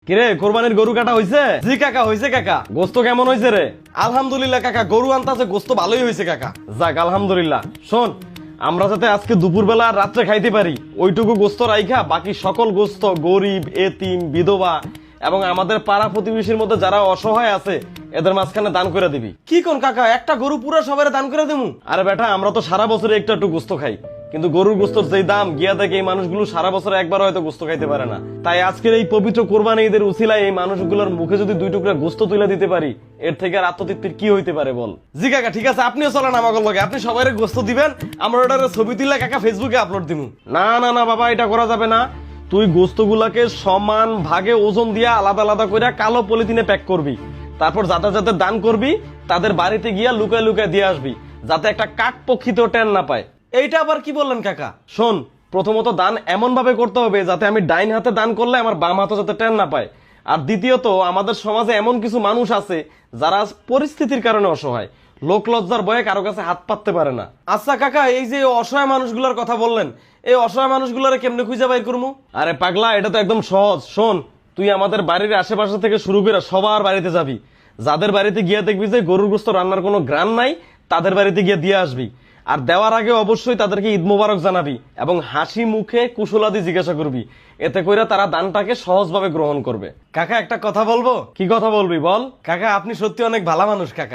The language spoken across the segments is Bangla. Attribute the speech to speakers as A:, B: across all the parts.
A: কিরে কোরবানির গরু কাটা হইছে? জি কাকা হইছে কাকা। গোস্ত কেমন হইছে রে? আলহামদুলিল্লাহ কাকা, গরু আনতাছে, গোস্ত ভালোই হইছে কাকা। যাক আলহামদুলিল্লাহ। শোন, আমরা যাতে আজকে দুপুরবেলা আর রাত্রে খাইতে পারি ওইটুকু গোস্ত রাইখা বাকি সকল গোস্ত গরিব, এতিম, বিধবা এবং আমাদের পাড়া প্রতিবেশীর মধ্যে যারা অসহায় আছে এদের মাঝখানে দান করে দিবি। কি কোন কাকা, একটা গরু পুরো সবাই দান করে দিমু? আরে বেটা, আমরা তো সারা বছরে একটু একটু গোস্ত খাই, কিন্তু গরুর গোস্তর যেই দাম গিয়া দেখে এই মানুষগুলো সারা বছরে একবার হয়তো গোস্ত খাইতে পারে না। তাই আজকের এই পবিত্র কোরবানি ঈদের উছিলায় এই মানুষগুলোর মুখে যদি 2 টুকরা গোস্ত তুলে দিতে পারি, এর থেকে আর আত্মতৃপ্তির কি হইতে পারে বল? জি কাকা ঠিক আছে, আপনিও চলেন আমাকে লগে, আপনি সবাই গোস্ত দিবেন, আমরা ওটার ছবি তুলে কাকা ফেসবুকে আপলোড দিমু। না না না বাবা, এটা করা যাবে না। তুই গোস্তগুলাকে সমান ভাগে ওজন দিয়ে আলাদা আলাদা করে কালো পলিথিনে প্যাক করবি, তারপর যাদের যাদের দান করবি তাদের বাড়িতে গিয়া লুকায় লুকায় দিয়ে আসবি, যাতে একটা কাক পক্ষীতেও টেন না পায়। এইটা আবার কি বললেন কাকা? শোন, প্রথমত দান এমন ভাবে করতে হবে যাতে আমি ডাইন হাতে দান করলে আমার বাম হাতে যাতে টেন না পায়। আর দ্বিতীয়ত, আমাদের সমাজে এমন কিছু মানুষ আছে যারা পরিস্থিতির কারণে অসহায়, লোক লজ্জার ভয়ে কারো কাছে হাত পাততে পারে না। আচ্ছা কাকা, এই যে অসহায় মানুষগুলোর কথা বললেন, এই অসহায় মানুষগুলোরে কেমনে খুঁজে বাইর করবো? আরে পাগলা, এটা তো একদম সহজ। শোন, তুই আমাদের বাড়ির আশেপাশে থেকে শুরু করে সবার বাড়িতে যাবি, যাদের বাড়িতে গিয়ে দেখবি যে গরুর গোস্ত রান্নার কোনো গ্রান নাই, তাদের বাড়িতে গিয়ে দিয়ে আসবি। আর দেওয়ার আগে অবশ্যই তাদেরকে ঈদ মোবারক জানাবি এবং হাসি মুখে কুশলাদি জিজ্ঞাসা করবি, এতে করে তারা দানটাকে সহজভাবে গ্রহণ করবে। কাকা একটা কথা বলবো? কি কথা বলবি বল? কাকা আপনি সত্যি অনেক ভালো মানুষ কাকা।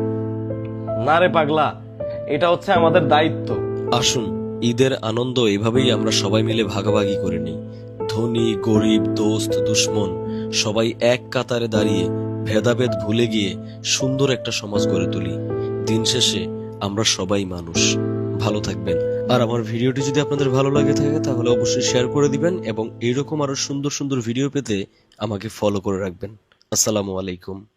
A: না রে পাগলা, এটা হচ্ছে আমাদের দায়িত্ব।
B: আসুন, ঈদের আনন্দ এভাবেই আমরা সবাই মিলে ভাগাভাগি করে নিই। ধনী গরিব, দোস্ত দুশ্মন সবাই এক কাতারে দাঁড়িয়ে ভেদাভেদ ভুলে গিয়ে সুন্দর একটা সমাজ গড়ে তুলি। দিন শেষে আমরা সবাই মানুষ। ভালো থাকবেন। আর আমার ভিডিওটি যদি আপনাদের ভালো লাগে থাকে তাহলে অবশ্যই শেয়ার করে দিবেন এবং এইরকম আরো সুন্দর সুন্দর ভিডিও পেতে আমাকে ফলো করে রাখবেন। আসসালামু আলাইকুম।